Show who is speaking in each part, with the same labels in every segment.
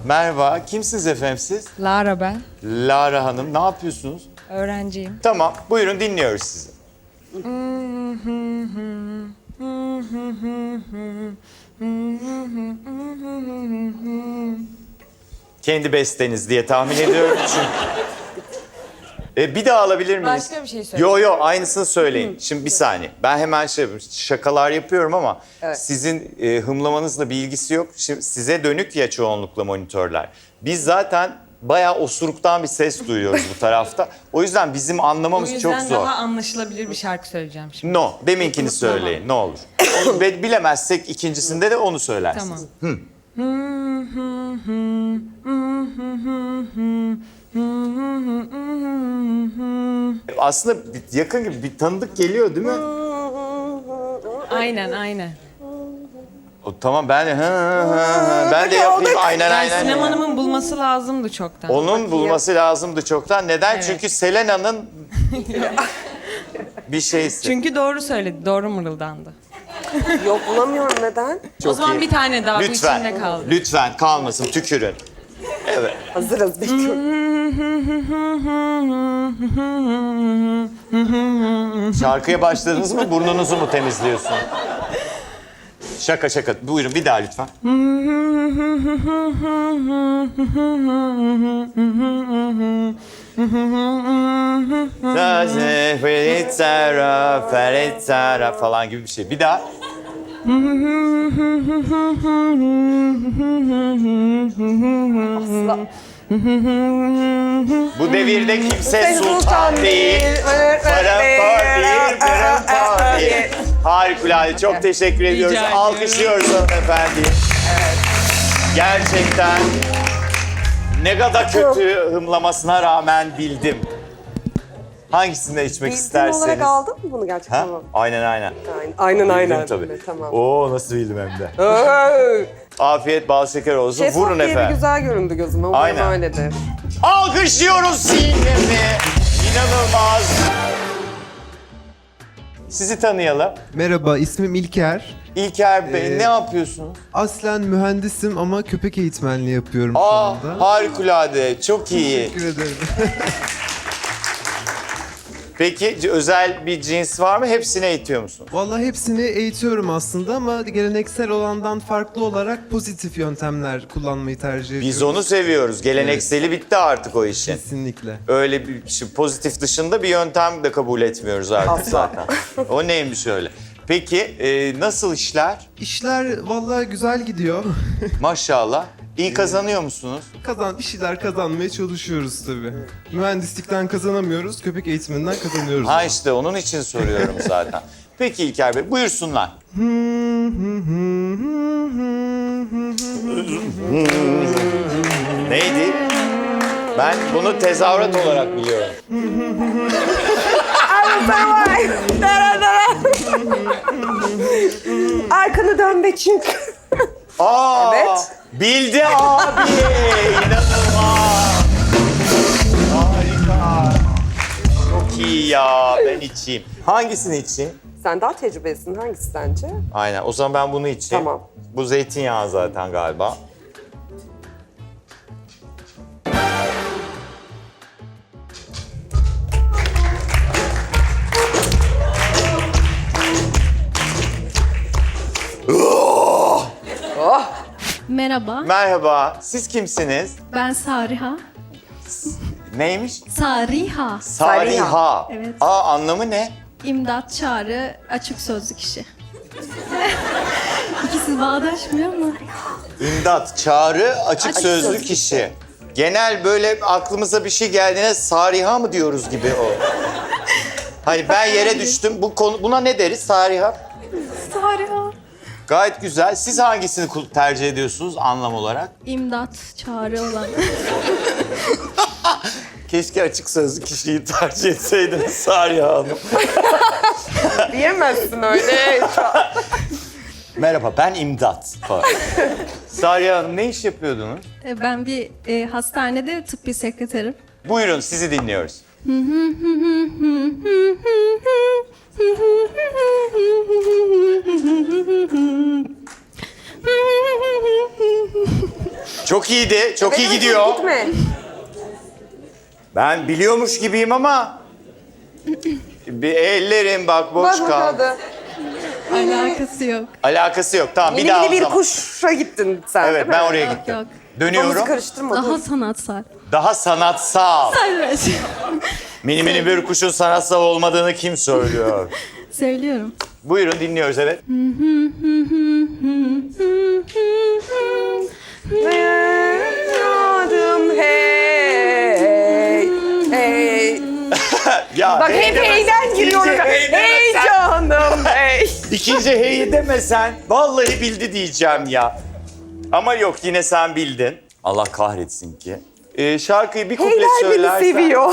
Speaker 1: Merhaba, kimsiniz efendim siz?
Speaker 2: Lara ben.
Speaker 1: Lara Hanım, ne yapıyorsunuz?
Speaker 2: Öğrenciyim.
Speaker 1: Tamam, buyurun dinliyoruz sizi. Kendi besteniz diye tahmin ediyorum çünkü. Bir daha alabilir miyiz?
Speaker 2: Başka bir şey söyle.
Speaker 1: Yo, aynısını söyleyin. Şimdi bir saniye. Ben hemen şakalar yapıyorum ama
Speaker 3: Evet.
Speaker 1: sizin hımlamanızla bir ilgisi yok. Şimdi size dönük ya çoğunlukla monitörler. Biz zaten bayağı osuruktan bir ses duyuyoruz bu tarafta. O yüzden bizim
Speaker 2: O
Speaker 1: anlamamız çok
Speaker 2: yüzden
Speaker 1: zor.
Speaker 2: daha anlaşılabilir bir şarkı söyleyeceğim şimdi.
Speaker 1: No, deminkini söyleyin ne olur. Ve bilemezsek ikincisinde de onu söylersiniz.
Speaker 2: Tamam.
Speaker 1: Aslında yakın gibi bir tanıdık geliyor değil mi?
Speaker 2: Aynen.
Speaker 1: Tamam ben de ben de yapayım aynen.
Speaker 2: Yani Sinem Hanım'ın bulması lazımdı çoktan.
Speaker 1: Onun bulması lazımdı çoktan. Neden?
Speaker 2: Evet.
Speaker 1: Çünkü Selena'nın bir şeysi.
Speaker 2: Çünkü doğru söyledi, doğru mırıldandı.
Speaker 3: Yok bulamıyorum neden?
Speaker 1: Çok
Speaker 2: O zaman
Speaker 1: iyi.
Speaker 2: bir tane daha bu
Speaker 1: Lütfen,
Speaker 2: içimde kaldı.
Speaker 1: lütfen kalmasın tükürün. Evet.
Speaker 3: Hazırız bekliyorum.
Speaker 1: Şarkıya başladınız mı burnunuzu mu temizliyorsun? Şaka. Buyurun bir daha lütfen. Ferit falan gibi bir şey. Bir daha. Bu devirde kimse sultan değil. Para değil. Harikulade. Çok teşekkür ediyoruz.
Speaker 2: ederim.
Speaker 1: Alkışlıyoruz hanımefendiyi. Gerçekten ne kadar kötü hımlamasına rağmen bildim. Hangisini içmek
Speaker 3: Bildiğin
Speaker 1: isterseniz.
Speaker 3: olarak aldın mı bunu gerçekten?
Speaker 1: Ha?
Speaker 3: Tamam.
Speaker 1: Aynen.
Speaker 3: Aynen.
Speaker 1: Bildim tabii.
Speaker 3: Tamam.
Speaker 1: Oo nasıl bildim hem de.
Speaker 3: Hey!
Speaker 1: Afiyet bal şeker olsun.
Speaker 3: Şeffaf
Speaker 1: Vurun
Speaker 3: diye bir
Speaker 1: efendim.
Speaker 3: güzel göründü gözüme. Umarım
Speaker 1: Aynen.
Speaker 3: öyledir.
Speaker 1: Alkışlıyoruz Sinem'i. İnanılmaz. Sizi tanıyalım.
Speaker 4: Merhaba, ismim İlker.
Speaker 1: İlker Bey ne yapıyorsunuz?
Speaker 4: Aslen mühendisim ama köpek eğitmenliği yapıyorum şu
Speaker 1: Aa
Speaker 4: anda.
Speaker 1: harikulade. Çok iyi.
Speaker 4: Teşekkür ederim.
Speaker 1: Peki özel bir cins var mı? Hepsini eğitiyor musunuz?
Speaker 4: Vallahi hepsini eğitiyorum aslında ama geleneksel olandan farklı olarak pozitif yöntemler kullanmayı tercih ediyorum.
Speaker 1: Biz onu seviyoruz. Gelenekseli bitti artık o işin.
Speaker 4: Kesinlikle.
Speaker 1: Öyle bir şey, pozitif dışında bir yöntem de kabul etmiyoruz artık zaten. O neymiş öyle? Peki nasıl işler?
Speaker 4: İşler vallahi güzel gidiyor.
Speaker 1: Maşallah. İyi kazanıyor musunuz?
Speaker 4: Bir şeyler kazanmaya çalışıyoruz tabii. Mühendislikten kazanamıyoruz, köpek eğitiminden kazanıyoruz.
Speaker 1: Ha işte onun için soruyorum zaten. Peki İlker Bey buyursunlar. Neydi? Ben bunu tezahürat olarak biliyorum.
Speaker 3: Arkanı dön be çünkü.
Speaker 1: Aa,
Speaker 3: Evet.
Speaker 1: Bildi abi. İnanılmaz. Harika. Çok iyi ya. Ben içeyim. Hangisini içeyim?
Speaker 3: Sen daha tecrübelisin. Hangisi sence?
Speaker 1: Aynen. O zaman ben bunu içeyim.
Speaker 3: Tamam.
Speaker 1: Bu zeytinyağı zaten galiba.
Speaker 5: Merhaba,
Speaker 1: Merhaba. Siz kimsiniz?
Speaker 5: ben Sariha.
Speaker 1: Neymiş?
Speaker 5: Sariha,
Speaker 1: Sariha.
Speaker 5: Evet.
Speaker 1: Aa anlamı ne?
Speaker 5: imdat çağrı, açık sözlü kişi. İkisi bağdaşmıyor mu?
Speaker 1: İmdat, çağrı, açık sözlü
Speaker 3: sözlü
Speaker 1: kişi. Genel böyle aklımıza bir şey geldiğine Sariha mı diyoruz gibi o. Hani ben yere düştüm. Buna ne deriz Sariha?
Speaker 5: Sariha.
Speaker 1: Gayet güzel. Siz hangisini tercih ediyorsunuz anlam olarak?
Speaker 5: İmdat çağrı olan.
Speaker 1: Keşke açık sözlü kişiyi tercih etseydiniz Sariha Hanım.
Speaker 3: Diyemezsin öyle.
Speaker 1: Merhaba ben İmdat. falan. Sariha Hanım ne iş yapıyordunuz?
Speaker 5: Ben bir hastanede tıbbi sekreterim.
Speaker 1: Buyurun sizi dinliyoruz. Çok Çok iyiydi. Çok iyi gidiyor.
Speaker 3: Gitme.
Speaker 1: Ben biliyormuş gibiyim ama bir ellerim bak boş
Speaker 3: Bak
Speaker 1: kaldı.
Speaker 3: hadi.
Speaker 5: Alakası yok.
Speaker 1: Alakası yok. Tamam bir
Speaker 3: Mini
Speaker 1: daha
Speaker 3: mini
Speaker 1: o
Speaker 3: bir
Speaker 1: zaman.
Speaker 3: kuşa gittin sen
Speaker 1: Evet
Speaker 3: değil mi?
Speaker 1: ben oraya gittim.
Speaker 5: Yok.
Speaker 1: Dönüyorum.
Speaker 3: Kafamızı karıştırma.
Speaker 5: Daha
Speaker 3: dur.
Speaker 5: sanatsal.
Speaker 1: Daha sanatsal.
Speaker 5: Evet.
Speaker 1: Mini mini bir kuşun sanatsal olmadığını kim söylüyor?
Speaker 5: Söylüyorum.
Speaker 1: Buyurun dinliyoruz evet.
Speaker 3: Evladım hey. Hey.
Speaker 1: Ya
Speaker 3: Bak
Speaker 1: hey
Speaker 3: hep
Speaker 1: demesen,
Speaker 3: heyden giriyorum.
Speaker 1: ikinci hey
Speaker 3: Hey
Speaker 1: demesen,
Speaker 3: canım hey.
Speaker 1: İkinci heyi demesen vallahi bildi diyeceğim ya. Ama yok yine sen bildin. Allah kahretsin ki. Şarkıyı bir kuple
Speaker 3: Heyler beni
Speaker 1: söylersen.
Speaker 3: seviyor.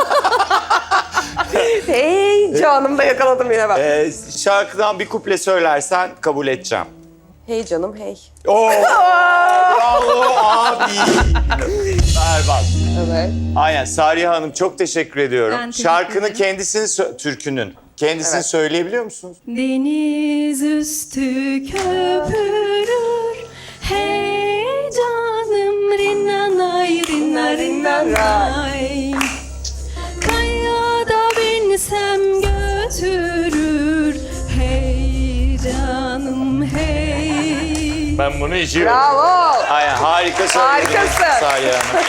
Speaker 3: Hey canım da yakaladım yine bak.
Speaker 1: Şarkıdan bir kuple söylersen kabul edeceğim.
Speaker 3: Hey canım hey.
Speaker 1: Oo, bravo abi. Berbat.
Speaker 3: Evet.
Speaker 1: Aynen Sariye Hanım çok teşekkür ediyorum.
Speaker 5: Ben teşekkür
Speaker 1: Şarkının
Speaker 5: ederim.
Speaker 1: kendisini türkünün kendisini
Speaker 3: Evet.
Speaker 1: söyleyebiliyor musunuz?
Speaker 5: Deniz üstü köpürür. Hey canım rinnanay rinnanay. Kayada binsem götürür. Hey canım hey.
Speaker 1: Ben bunu içiyorum.
Speaker 3: Bravo.
Speaker 1: Aynen harika söylediniz
Speaker 3: Harikasın.
Speaker 1: Sariye Hanım.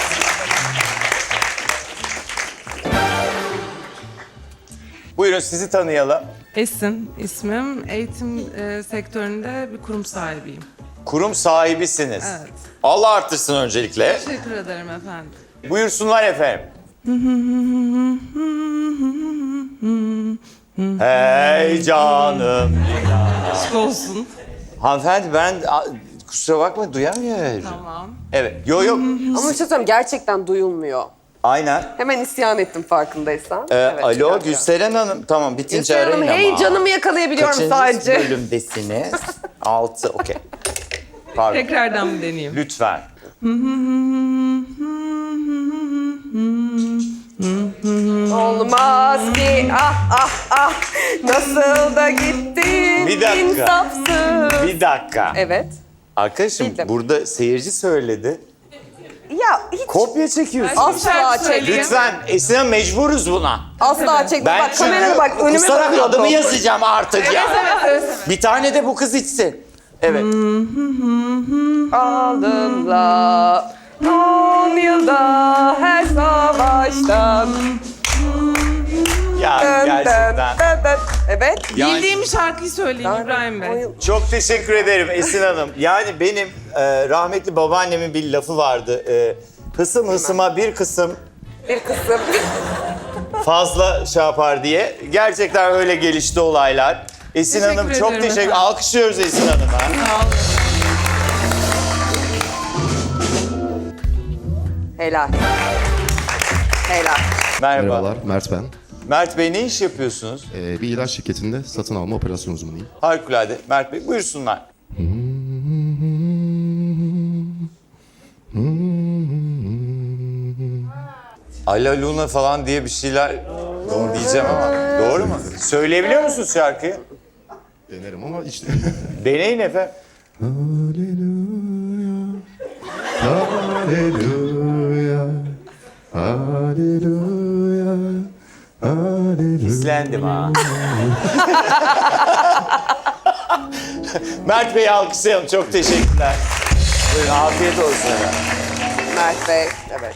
Speaker 1: Buyurun sizi tanıyalım.
Speaker 6: Esin ismim. Eğitim sektöründe bir kurum sahibiyim.
Speaker 1: Kurum sahibisiniz.
Speaker 6: Evet.
Speaker 1: Allah arttırsın öncelikle.
Speaker 6: Teşekkür ederim efendim.
Speaker 1: Buyursunlar efendim. Hey canım.
Speaker 6: Aşk olsun.
Speaker 1: Hanımefendi ben kusura bakma duyamıyorum.
Speaker 6: Tamam.
Speaker 1: Evet. Yok yok.
Speaker 3: Ama bir şey söyleyeyim gerçekten duyulmuyor.
Speaker 1: Aynen.
Speaker 3: Hemen isyan ettim farkındaysan. Evet,
Speaker 1: Alo
Speaker 3: çıkar.
Speaker 1: Gülseren Hanım. Tamam bitince
Speaker 3: Gülseren Hanım
Speaker 1: arayın
Speaker 3: hey
Speaker 1: ama.
Speaker 3: canımı yakalayabiliyorum
Speaker 1: Kaçıncı
Speaker 3: sadece.
Speaker 1: bölümdesiniz? 6. Okey. Pardon.
Speaker 6: Tekrardan bir deneyeyim.
Speaker 1: Lütfen.
Speaker 3: Olmaz ki ah ah ah nasıl da gittin
Speaker 1: Bir dakika.
Speaker 3: insafsız.
Speaker 1: Bir dakika.
Speaker 3: Evet.
Speaker 1: Arkadaşım
Speaker 3: Bildim.
Speaker 1: burada seyirci söyledi.
Speaker 3: Ya hiç
Speaker 1: Kopya çekiyorsun.
Speaker 3: asla çekme.
Speaker 1: Lütfen Esin Hanım mecburuz buna.
Speaker 3: Asla çekme.
Speaker 1: Ben
Speaker 3: Bak kameraya
Speaker 1: çünkü
Speaker 3: bak önüme
Speaker 1: kusarak
Speaker 3: bakıyor.
Speaker 1: adımı yazacağım artık ya.
Speaker 3: Evet.
Speaker 1: Bir tane de bu kız içsin. Evet.
Speaker 3: Aldımla 10 yılda her savaştan.
Speaker 1: Ya
Speaker 3: Dön,
Speaker 1: gerçekten.
Speaker 3: dön, dön. Evet.
Speaker 1: Yani
Speaker 6: Bildiğim şarkıyı söyleyeyim İbrahim Bey.
Speaker 1: çok teşekkür ederim Esin Hanım. Yani benim rahmetli babaannemin bir lafı vardı. Hısım hısıma bir kısım
Speaker 3: Bir kısım.
Speaker 1: fazla şey yapar diye. Gerçekten öyle gelişti olaylar. Esin
Speaker 6: Teşekkür
Speaker 1: Hanım çok
Speaker 6: ederim
Speaker 1: teşekkür.
Speaker 6: efendim.
Speaker 1: Alkışlıyoruz Esin Hanım'a.
Speaker 3: Helal. Helal.
Speaker 1: Merhaba.
Speaker 7: Merhabalar, Mert ben.
Speaker 1: Mert Bey ne iş yapıyorsunuz?
Speaker 7: Bir ilaç şirketinde satın alma operasyon uzmanıyım.
Speaker 1: Harikulade. Mert Bey buyursunlar. Ala Luna falan diye bir şeyler diyeceğim ama doğru mu? Söyleyebiliyor musunuz şarkıyı?
Speaker 7: Denerim ama işte...
Speaker 1: Deneyin efendim.
Speaker 7: Haleluya, haleluya, haleluya.
Speaker 1: İzlendim ha. Mert Bey'i alkışlayalım. Çok teşekkürler. Buyurun afiyet olsun efendim.
Speaker 3: Mert Bey. Evet.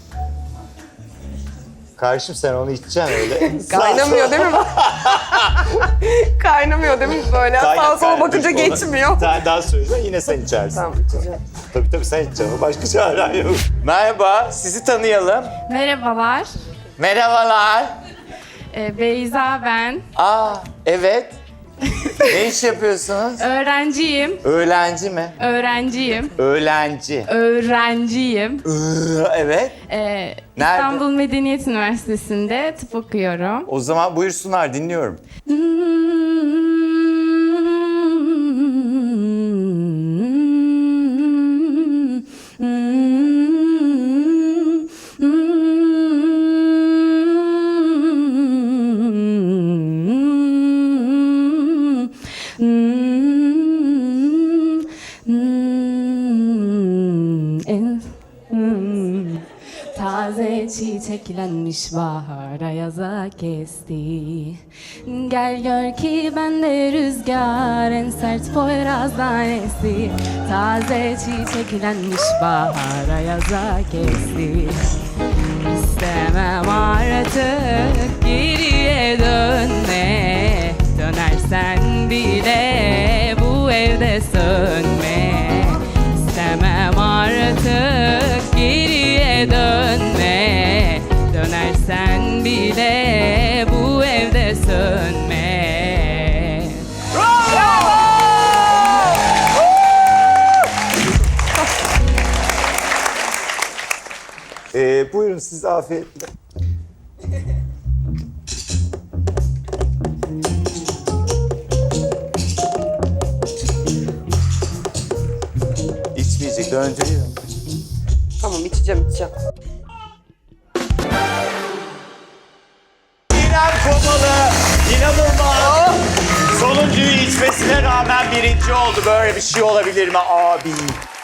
Speaker 1: Karşım sen onu içeceksin öyle.
Speaker 3: Kaynamıyor değil mi? Kaynamıyor değil mi böyle? Sağa sola bakınca
Speaker 1: Dur, onu
Speaker 3: geçmiyor.
Speaker 1: Bir tane daha söyleyeceğim yine sen içersin.
Speaker 3: Tamam içeceğim.
Speaker 1: Tabii sen içeceksin. Başka çaren yok. Merhaba, sizi tanıyalım.
Speaker 8: Merhabalar.
Speaker 1: Merhabalar.
Speaker 8: Beyza ben.
Speaker 1: Evet. Ne iş yapıyorsunuz?
Speaker 8: Öğrenciyim.
Speaker 1: Öğlenci mi?
Speaker 8: Öğrenciyim.
Speaker 1: Öğlenci.
Speaker 8: Öğrenciyim.
Speaker 1: Evet.
Speaker 8: İstanbul Medeniyet Üniversitesi'nde tıp okuyorum.
Speaker 1: O zaman buyursunlar dinliyorum.
Speaker 8: çiçeklenmiş bahar ayaza kesti. Gel gör ki ben de rüzgar, en sert Poyraz'dan esti. Taze çiçeklenmiş bahar ayaza kesti. İstemem artık geriye dönme, dönersen bile bu evde sönme. İstemem artık geriye dönme, dönersen bile bu evde sönme.
Speaker 1: Buyurun siz afiyetle. İçmeyecek, döndürüyor.
Speaker 3: Tamam içeceğim.
Speaker 1: İrem Komalı, inanılmaz. Sonuncuyu içmesine rağmen birinci oldu. Böyle bir şey olabilir mi abi?